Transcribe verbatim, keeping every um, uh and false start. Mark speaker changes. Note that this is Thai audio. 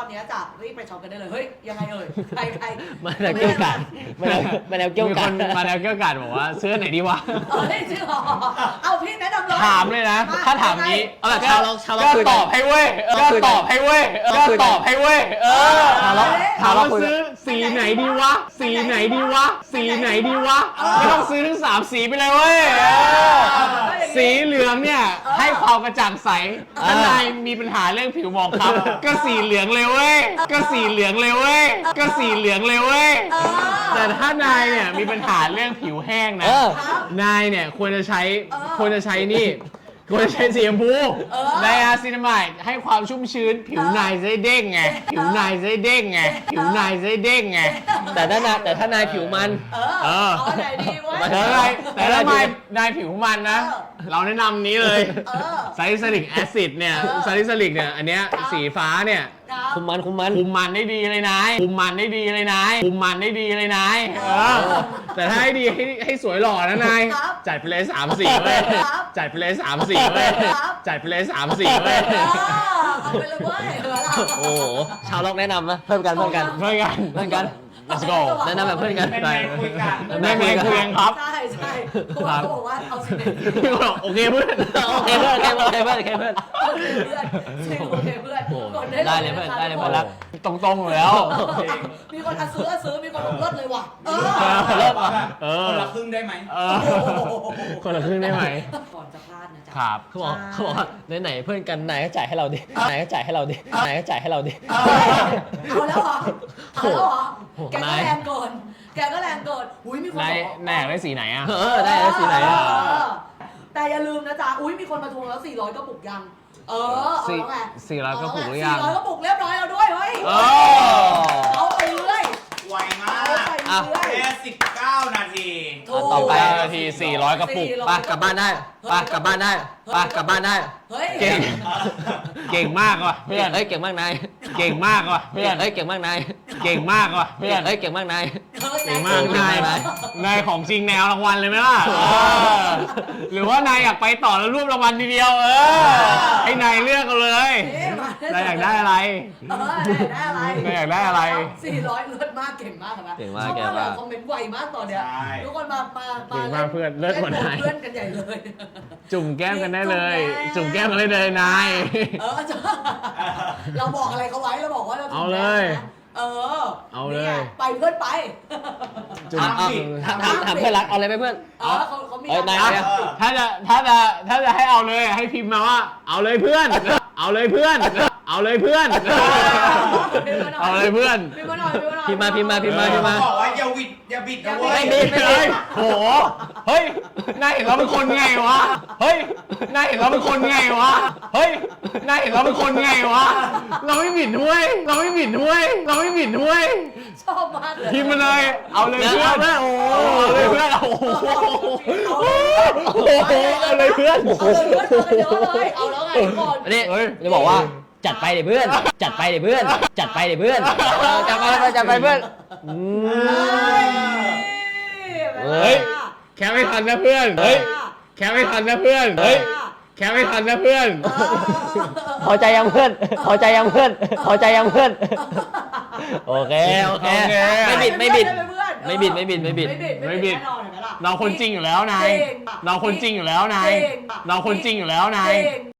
Speaker 1: นี้จะรีบไปช็อปกันได้เลยเฮ้ยยังไงเอ่ยใครใคร
Speaker 2: มาแล้วเกี่ยวกันมาแล้วมาแล้วเกี่ยว
Speaker 3: มี
Speaker 2: กั
Speaker 3: คน นมาแล้วเกี่ยวกันบอกว่าเสื้อไหนดีวะ
Speaker 1: เออได้ชื่อหรอเอาพี่แนะนำเลย
Speaker 3: ถามเลยนะ ถ้าถามนี้
Speaker 2: เอาแบบชาวล็อกชาวล็อก
Speaker 3: ก็
Speaker 2: คุย
Speaker 3: ต
Speaker 2: กั
Speaker 3: อน บให้เว้ยก็ตอบให้เว้ยก็ตอบให้เว้ยเออ
Speaker 2: ชาวล็อก
Speaker 3: ถามว่าซื้อสีไหนดีวะสีไหนดีวะสีไหนดีวะไม่ต้องซื้อทั้งสามสีไปเลยเว้ยเออสีเหลืองเนี่ยให้ความกระจ่างใสถ้านายมีปัญหาเรื่องผิวหมองคล้ำก็สีเหลืองเลยเว้ยก็สีเหลืองเลยเว้ยก็สีเหลืองเลยเว้ยแต่ถ้านายเนี่ยมีปัญหาเรื่องผิวแห้งนะ
Speaker 2: เออ
Speaker 3: นายเนี่ยควรจะใช้ควรจะใช้นี่ควรจะใช้สีชมพูไดอาซินามายด์ให้ความชุ่มชื้น ผิวนายจะได้เด้งไงผิวนายจะได้เด้งไงผิวนายจะได้เด้งไง
Speaker 2: แต่ถ้านายแต่ถ้านายผิวมัน
Speaker 1: เอ
Speaker 3: เอ
Speaker 1: อ
Speaker 3: อ
Speaker 1: เอาไหนดีวะ
Speaker 3: แต่ถ้านายแต่ถ้านายนายผิวมันนะ
Speaker 1: เออ
Speaker 3: เราแนะนำนี้เลย
Speaker 1: เออ
Speaker 3: ซาลิซิลิกแอซิดเนี่ย
Speaker 1: เออ
Speaker 3: ซาลิซิลิกเนี่ยอันเนี้ยสีฟ้าเนี่ย
Speaker 1: ครับ
Speaker 2: คุมมันคุมมัน
Speaker 3: คุมมันได้ดีเลยนายคุมมันได้ดีเลยนายคุมมันได้ดีเลยนายเออแต่ถ้าให้ดีให้ให้สวยหล่อนะนาย
Speaker 1: ครับ
Speaker 3: จัดไปเลยสามสีเว้ย
Speaker 1: ครับ
Speaker 3: จัดไปเลยสามสีเว้ย
Speaker 1: ครับ
Speaker 3: จัดไปเลยสามสีเว้ย
Speaker 1: เออเอาไปเลยเว้ยเออเรา
Speaker 2: โอ้โหชาวล็อกแนะนำนะเพิ่มกันเพิ่มกัน
Speaker 3: เพื่อนกัน
Speaker 2: เพื่อนกัน
Speaker 3: let's go
Speaker 2: แนะนำแบบเพื่อนกัน
Speaker 4: เป็นไงคุยกัน
Speaker 3: ไม่ไม่คุยกันครับ
Speaker 1: ใช่ใช่เขาบอกเขาบอกว่าเอาสิ
Speaker 3: พี่บอกโอเคเพื่อน
Speaker 2: โอเคเพื่อนโอเคเพื่อนโอเคเพื่อนโอเคเพื่อน
Speaker 1: โอเคเพื่อนจริงโอเคเพื่อน
Speaker 2: โอ้
Speaker 1: กด
Speaker 2: ได้เลยเพื่อนได้เลยเพื่อนรัก
Speaker 3: ตรงๆอยู่แล้ว
Speaker 1: มีคนอ่ะซื้ออ่ะซื้อมีคนบอกเลิศเลยว่ะเออ
Speaker 2: เลิกเหรอ
Speaker 3: เอ
Speaker 4: ค
Speaker 3: อน
Speaker 4: ละครึ่งได้ไหม
Speaker 3: เออคนละครึ่งได้ไหม
Speaker 1: ก่อนจะพลาดนะจ๊ะ
Speaker 3: ครับ
Speaker 2: เขาบอกเขาบอกว่าไหนๆเพื่อนกันนายก็จ่ายให้เราดินายก็จ่ายให้เราดินายก็จ่ายให้เราดิ
Speaker 1: เอาแล้วเหรอเอาแล้วเหรอ
Speaker 2: โอ้โห
Speaker 1: แกก็
Speaker 2: นาย
Speaker 1: แรงเกินแกก็แรงเกินอุ้ยมีคน
Speaker 3: นาย
Speaker 1: บอก
Speaker 3: นายอยากได้สีไหนอ่ะ
Speaker 2: เออได้แล้วสีไหน
Speaker 1: เอ
Speaker 2: อ่ะ
Speaker 1: อแต่อย่าลืมนะจ๊ะอุ้ยมีคนมาทวงแล้วสี่ร้อยกระปุกยังเออเอา
Speaker 3: สี่
Speaker 1: แล้วไง
Speaker 3: สี่ร้อยกระปุกหรือยัง
Speaker 1: สี่ร้อยกระปุกเรียบร้อยแล้วด้วยเฮ้ย
Speaker 3: เออ
Speaker 1: เอาไปเรื่อย
Speaker 4: ไวมา
Speaker 1: เอา
Speaker 4: ก
Speaker 1: ไปเรื่อย
Speaker 4: แค่สิบเก้านาที
Speaker 1: ถูก
Speaker 2: ต่อไป
Speaker 3: นาทีสี่ร้อยกระปุก
Speaker 1: สี่ร้อย
Speaker 2: ไปกลับบ้านได้ไปกลับบ้านได้ไปกลับบ้านได้
Speaker 1: เฮ้ย
Speaker 3: เก่ง เก่งมากว่ะเพื่อน
Speaker 2: เฮ้ยเก่งมากนาย
Speaker 3: เก่งมากว่ะเพื่อน
Speaker 2: เฮ้ยเก่งมากนาย
Speaker 3: เก่งมากว่ะเพื่อน
Speaker 2: เฮ้ยเก่งมากนาย
Speaker 3: เก่งมาก
Speaker 2: เก่ง
Speaker 3: นาย
Speaker 2: มาก
Speaker 3: นายของจริงแนวรางวัลเลยไหมล่ะเออหรือว่านายอยากไปต่อแล้วรวบรางวัลทีเดียวเออให้นายเลือกเอาเลย นายอยากได้อะไร
Speaker 1: เออนายอยากได้อะไร
Speaker 3: นายอยากได้อะไร
Speaker 1: สี่ร้อยเลิศมากเก่งมากครับ
Speaker 2: เก่งมาก
Speaker 1: ชอบ
Speaker 2: เก่งมาก
Speaker 1: คอมเมนต์ไวมากตอนเนี้ย
Speaker 4: ใช่
Speaker 1: ทุกคนมามา
Speaker 3: เก่งมากเพื่อนเลิศกว่านาย
Speaker 1: เพื่อนกันใหญ่เลย
Speaker 3: จุ่มแก้มกันได้เลย
Speaker 1: จุ่
Speaker 3: จุ่ม
Speaker 1: มแก้
Speaker 3: แก้ม
Speaker 1: ม
Speaker 3: กันได้เลยนาย
Speaker 1: เออจะเราบอกอะไรเขาไว้เราบอกว่าเรา
Speaker 3: เอาเลย
Speaker 1: เออ
Speaker 3: เอาเลย
Speaker 1: นี่ไงไปเพื่อนไป
Speaker 3: จุ่ม
Speaker 2: เอาเอาถามถามเพื่อนรักเอาอะไรไหมเพื่อน
Speaker 1: เออเขาเขามี
Speaker 2: เอ้ยนาย
Speaker 3: อ่ะถ้าจะถ้าจะถ้าจะให้เอาเลยให้พิมพ์มาว่า เอาเลยเพื่อน เอาเลยเพื่อน เอาเลยเพื่อน เอาเลยเพื่อน
Speaker 1: พิมพ์มาหน่อยพิมพ์มาหน่อย
Speaker 2: พิมพ์มาพิมพ์มาพิมพ์มาพิมพ์มา
Speaker 4: บอกว่าอย่าวิดอย่าบิดนะเว้ย
Speaker 2: ไม่บิดไม่บิด
Speaker 3: เฮ้ยโหเฮ้ยนายเห็นเราเป็นคนไงวะเฮ้ยนายเห็นเราเป็นคนไงวะเฮ้ยนายเห็นเราเป็นคนไงวะเราไม่บิดด้วย เราไม่บิดด้วย เราไม่บิดด้วย
Speaker 1: ชอบมากเลย
Speaker 3: พิมพ์มาเลย เอาเลยเพื่อน
Speaker 2: เอาเลยโอ้
Speaker 3: เอาเลยเพื่อนโอ้โหเอาเลยเพื่อน
Speaker 1: เอาเลยเพื่อนเอาเลยเดี๋ยวเอาเลยเอาแล้วไงทุกคน
Speaker 2: อันนี้
Speaker 3: เฮ้ย
Speaker 2: จะบอกว่าจัดไปเดี๋ยวเพื่อน จัดไปเดี๋ยวเพื่อน จัดไปเดี๋ยวเพื่อนเออจัดไปจัดไปเพื่อนอืม
Speaker 3: เฮ้ย แค่ไม่ทันนะเพื่อนเฮ้ยแค่ไม่ทันนะเพื่อนเฮ้ยแค่ไม่ทันนะเพื่อน
Speaker 2: พอใจยังเพื่อนพอใจยังเพื่อนพอใจยังเพื่อนโอเคโอเคไม่บิดไม่บิดไม่บิดไม่บิดไม่บิด
Speaker 1: ไม่บิดแน่นอนเห็นไหมล่ะ
Speaker 3: เราคนจริงอยู่แล้วนาย
Speaker 1: จริง
Speaker 3: เราคนจริงอยู่แล้วนาย
Speaker 1: จริง
Speaker 3: เราคนจริงอยู่แล้วนาย
Speaker 1: จริง